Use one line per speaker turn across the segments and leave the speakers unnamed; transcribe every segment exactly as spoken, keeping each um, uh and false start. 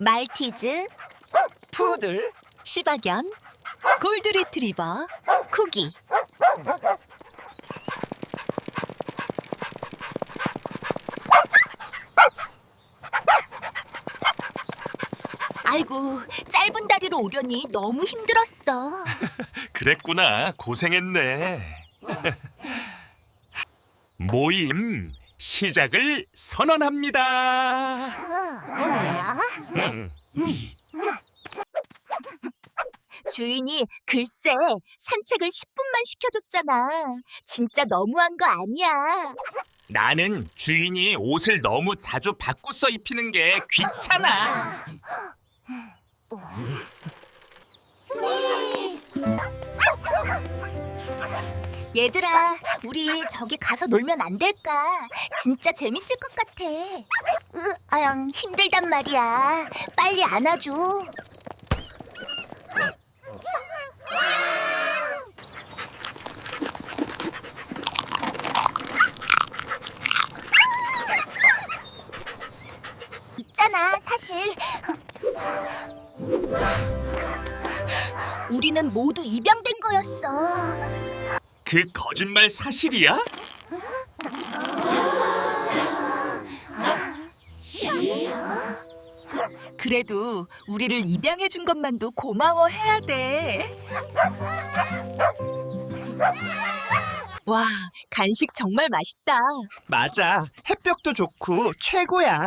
말티즈,
푸들,
시바견, 골드리트리버, 코기. 아이고, 짧은 다리로 오려니 너무 힘들었어.
그랬구나. 고생했네. 모임 시작을 선언합니다. 음.
주인이 글쎄 산책을 십 분만 시켜줬잖아. 진짜 너무한 거 아니야.
나는 주인이 옷을 너무 자주 바꾸서 입히는 게 귀찮아.
얘들아, 우리 저기 가서 놀면 안 될까? 진짜 재밌을 것 같아. 으, 아양 힘들단 말이야. 빨리 안아줘. 있잖아, 사실. 우리는 모두 입양된 거였어.
그 거짓말 사실이야?
그래도 우리를 입양해 준 것만도 고마워해야 돼. 와, 간식 정말 맛있다.
맞아. 햇볕도 좋고 최고야.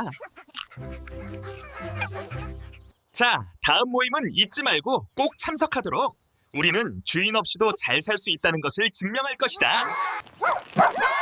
자, 다음 모임은 잊지 말고 꼭 참석하도록. 우리는 주인 없이도 잘 살 수 있다는 것을 증명할 것이다.